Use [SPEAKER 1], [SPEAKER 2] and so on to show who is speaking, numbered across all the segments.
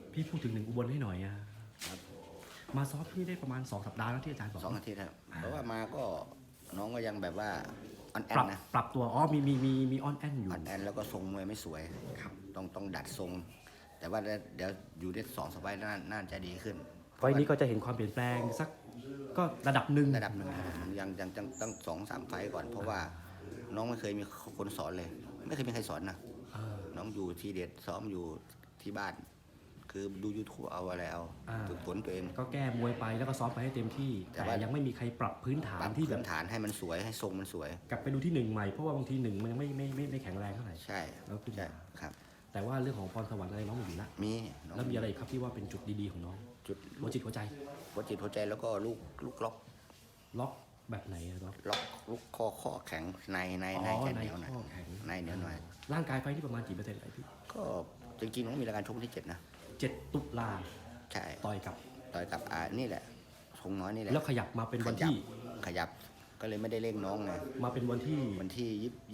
[SPEAKER 1] พี่พูดถึงหนึ่งอุบลให้หน่อยอะมาซ้อมที่นี่ได้ประมาณ2 สัปดาห์แล้วที่อาจารย์บอก
[SPEAKER 2] 2 อาทิตย์ครับเพราะว่ามาก็น้องก็ยังแบบว่าออนแอ
[SPEAKER 1] ปรั
[SPEAKER 2] น
[SPEAKER 1] บ
[SPEAKER 2] นะ
[SPEAKER 1] ปรับตัวอ๋อมีออนแอนอยู่
[SPEAKER 2] ออนแอนแล้วก็ทรงมวยไม่สวยครับต้องดัดทรง แต่ว่าเดี๋ยวอยู่ได้2 สัปดาห์น่าจะดีขึ้น
[SPEAKER 1] ไฟล์นี้ก็จะเห็นความเปลี่ยนแปลงสักก็ระดับหนึ่ง
[SPEAKER 2] ยังต้อง2-3 ไฟล์ก่อน เพราะว่าน้องไม่เคยมีคนสอนเลย ไม่เคยมีใครสอนนะน้องอยู่ทีเด็ดซ้อมอยู่ที่บ้าน คือดู YouTube เอาอะไรเอาฝึกฝนตัวเอง
[SPEAKER 1] ก็แก้มวยไปแล้วก็ซ้อมไปให้เต็มที่แต่ยังไม่มีใครปรับพื้นฐานที่
[SPEAKER 2] พื้นฐานให้มันสวยให้ทรงมันสวย
[SPEAKER 1] กลับไปดูที่1ใหม่เพราะว่าบางที1มันยังไม่แข็งแรงเท่าไหร่
[SPEAKER 2] ใช่
[SPEAKER 1] แล้วขึ้น
[SPEAKER 2] ใช่ครับ
[SPEAKER 1] แต่ว่าเรื่องของพรสวรรค์อะไรน้องมีอยู่ละ
[SPEAKER 2] มี
[SPEAKER 1] แล้วมีอะไรอีกครับที่ว่าเป็นจุดดีๆของน้อง
[SPEAKER 2] จุด
[SPEAKER 1] หัวจิตหัวใจ
[SPEAKER 2] หัวจิตหัวใจแล้วก็ลูกล็อก
[SPEAKER 1] ล็อกแบบไหนอะล็อก
[SPEAKER 2] ลูกข้อแข็งในจะเหนียวหน่อย
[SPEAKER 1] ข้อแข็ง
[SPEAKER 2] ในเหนียวหน่อย
[SPEAKER 1] ร่างกายไฟนี่ประมาณกี่เปอร์เซ็นต์อะไรพี่
[SPEAKER 2] ก็จริงๆน้องมีรายการชกวันที่ 7 นะ
[SPEAKER 1] 7 ตุลา
[SPEAKER 2] ใช่
[SPEAKER 1] ต่อยกับ
[SPEAKER 2] ต่อยกับนี่แหละทงน้อยนี่แหละ
[SPEAKER 1] แล้วขยับมาเป็นวันที่
[SPEAKER 2] ขยับก็เลยไม่ได้เร่งน้องไง
[SPEAKER 1] มาเป็นวันที่
[SPEAKER 2] วันที่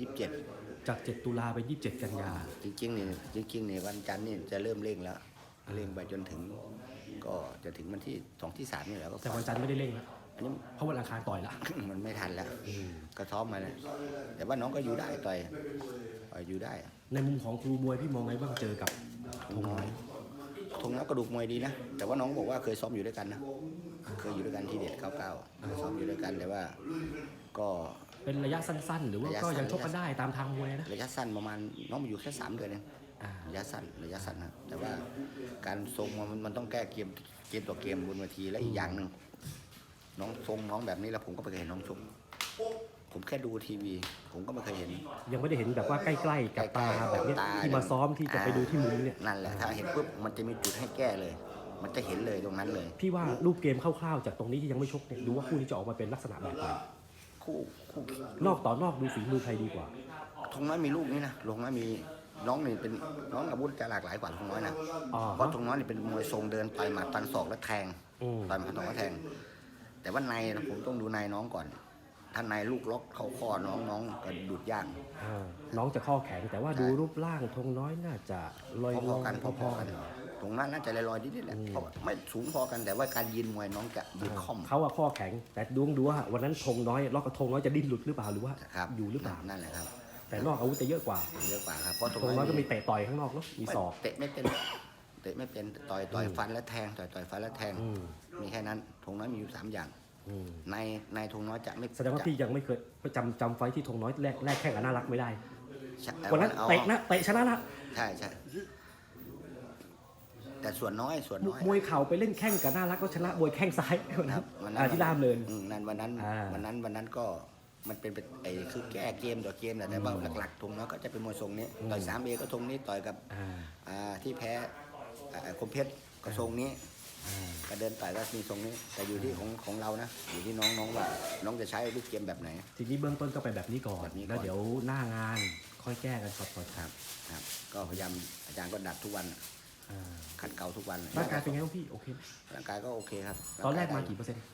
[SPEAKER 2] 27
[SPEAKER 1] จาก7 ตุลาไป27 กันยา
[SPEAKER 2] จริงๆนี่วันจันทร์นี่จะเริ่มเร่งแล้วเร่งไปจนถึง ก็จะถึงวันที่2 ที่ 3นี่แหละก็
[SPEAKER 1] แต่วันจันทร์ไม่ได้เร่งแล้ว
[SPEAKER 2] อันนี้
[SPEAKER 1] เพราะวันอังคารต่อยละ
[SPEAKER 2] มันไม่ทันแล้วก็ซ้อมมาเลยแต่ว่าน้องก็อยู่ได้ต่อยอยู่ได้
[SPEAKER 1] ในมุมของครูมวยพี่มองไงบ้างเจอกับธงน้อย
[SPEAKER 2] ทงน้อยกระดูกมวยดีนะแต่ว่าน้องบอกว่าเคยซ้อมอยู่ด้วยกันนะเคยอยู่ด้วยกันที่เด็ด99ซ้อมอยู่ด้วยกันแต่ว่าก็
[SPEAKER 1] เป็นระยะสั้นๆ หรือว่าก็ยังชกกันได้ตามทางมวยนะ
[SPEAKER 2] ระยะสั้นประมาณน้องมาอยู่แค่3 เดือนเองระยะสั้นนะแต่ว่าการทรงมันต้องแก้เกมต่อเกมบนเวทีและอีกอย่างหนึ่งน้องทรงน้องแบบนี้แล้วผมก็ไม่เคยเห็นน้องชกผมแค่ดูทีวีผมก็ไม่เคยเห็น
[SPEAKER 1] ยังไม่ได้เห็นแบบว่าใกล้ๆกับตาแบบนี้ที่มาซ้อมที่จะไปดูที่มุมเนี่ย
[SPEAKER 2] นั่นแหละถ้าเห็นปุ๊บมันจะมีจุดให้แก้เลย มันจะเห็นเลยตรงนั้นเลย
[SPEAKER 1] พี่ว่ารูปเกมคร่าวๆจากตรงนี้ที่ยังไม่ชกเนี่ยดูว่าคู่นี้จะออกมาเป็นลักษณะแบบไหน
[SPEAKER 2] คู่
[SPEAKER 1] นอกต่อนอกดูฝีมือใครดีกว่า
[SPEAKER 2] ทงน้อยมีลูกนี้นะทงน้อยมีน้องนี่เป็นน้องอาวุธจะหลากหลายกว่าทงน้อยนะเพราะทงน้อยนี่เป็นมวยทรงเดินต่อยหมัดฟันศอกและแทงต่อยหมัดต่อยแล้วแทงแต่ว่าในผมต้องดูในน้องก่อนถ้าในลูกล็อกเข้าข้อน้องก็ดูดยาก
[SPEAKER 1] น้องจะข้อแข็งแต่ว่าดูรูปร่างธงน้อยน่าจะลอย
[SPEAKER 2] พอๆกันตรงนั้นน่าจะลอยๆนิดๆแหละเพราะไม่สูงพอกันแต่ว่าการยืนมวยน้องจะยืนค่อม
[SPEAKER 1] เขาอะข้อแข็งแต่ดูว่าวันนั้นธงน้อยล็อกกับธงน้อยจะดิ้นหลุดหรือเปล่าหรือว่าอยู่หรือเปล่า
[SPEAKER 2] นั่นแหละครับ
[SPEAKER 1] แต่นอกอาวุธจะเยอะกว่า
[SPEAKER 2] ครับเพราะ
[SPEAKER 1] ธงน้อยก็มีเตะต่อยข้างนอกเนาะมีศอก
[SPEAKER 2] เตะไม่เป็นต่อยฟันและแทงต่อยฟันและแทงมีแค่นั้นธงน้อยมีอยู่3 อย่างในธงน้อยจะไม่
[SPEAKER 1] แสดงว่าพี่ยังไม่เคยจำไฟที่ธงน้อยแรกแข่งกับน่ารักไม่ได้ วันนั้น
[SPEAKER 2] เอา
[SPEAKER 1] เตะชนะนะ
[SPEAKER 2] ใช่แต่ส่วนน้อย
[SPEAKER 1] มวยเข่าไปเล่นแข่งกับน่ารักก็ชนะมวยแข้งซ้ายวันนั้นที่ล่ามเลิน
[SPEAKER 2] วันนั้นก็มันเป็นคือแก้เกมต่อเกมแต่ว่าหลักๆธงน้อยก็จะเป็นมวยทรงนี้ต่อย3Aก็ทรงนี้ต่อยกับที่แพ้คมเพชรก็ทรงนี้ก็เดินต่อยก็มีทรงนี้แต่อยู่ที่ของเรานะอยู่ที่น้องว่าน้องจะใช้ลูกเกมแบบไหน
[SPEAKER 1] ทีนี้เบื้องต้นก็ไปแบบนี้ก่อนแล้วเดี๋ยวหน้างานค่อยแก้กันครับ
[SPEAKER 2] ก็พยายามอาจารย์ก็ดัดทุกวันขัดเกลาทุกวัน
[SPEAKER 1] ร่างกายเป็นไงบ้างพี่โอเคไหม
[SPEAKER 2] ร่างกายก็โอเคครับ
[SPEAKER 1] ตอนแรกมากี่เปอร์เซ็นต์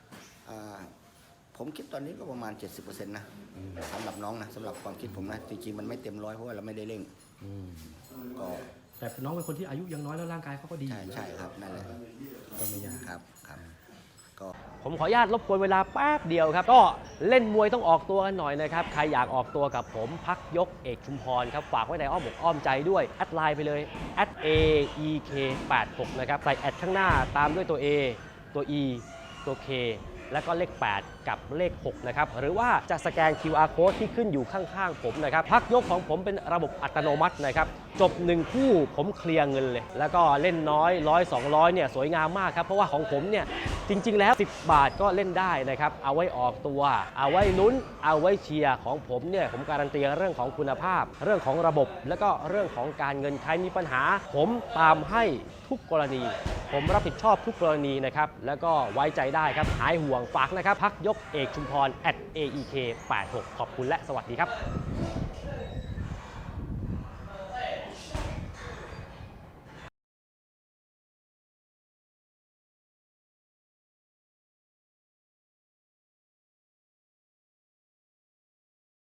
[SPEAKER 2] ผมคิดตอนนี้ก็ประมาณ 70%นะสำหรับน้องนะสำหรับความคิดผมนะจริงๆมันไม่เต็ม100เพราะว่าเราไม่ได้เร่งก็
[SPEAKER 1] แต่น้องเป็นคนที่อายุยังน้อยแล้วร่างกายเขาก็ดี
[SPEAKER 2] ใช่ครับนั่นแหละ
[SPEAKER 1] ก็ไม่ยาก
[SPEAKER 2] ครับก็
[SPEAKER 3] ผมขออนุญาตรบกวนเวลาแป๊บเดียวครับก็เล่นมวยต้องออกตัวกันหน่อยนะครับใครอยากออกตัวกับผมพักยกเอกชุมพรครับฝากไว้ในอ้อมอกอ้อมใจด้วยแอดไลน์ไปเลย @aek86 นะครับใส่แอดข้างหน้าตามด้วยตัว A ตัว E ตัว K แล้วก็เลข 8 กับเลข 6 นะครับหรือว่าจะสแกน QR code ที่ขึ้นอยู่ข้างๆผมนะครับพักยกของผมเป็นระบบอัตโนมัตินะครับจบ1คู่ผมเคลียร์เงินเลยแล้วก็เล่นน้อย100 200เนี่ยสวยงามมากครับเพราะว่าของผมเนี่ยจริงๆแล้ว10 บาทก็เล่นได้นะครับเอาไว้ออกตัวเอาไว้ลุ้นเอาไว้เชียร์ของผมเนี่ยผมการันตีเรื่องของคุณภาพเรื่องของระบบแล้วก็เรื่องของการเงินใครมีปัญหาผมตามให้ทุกกรณีผมรับผิดชอบทุกกรณีนะครับแล้วก็ไว้ใจได้ครับหายห่วงฝากนะครับพักยกเอกชุมพร @aek86 ขอบคุณและสวัสดีครับ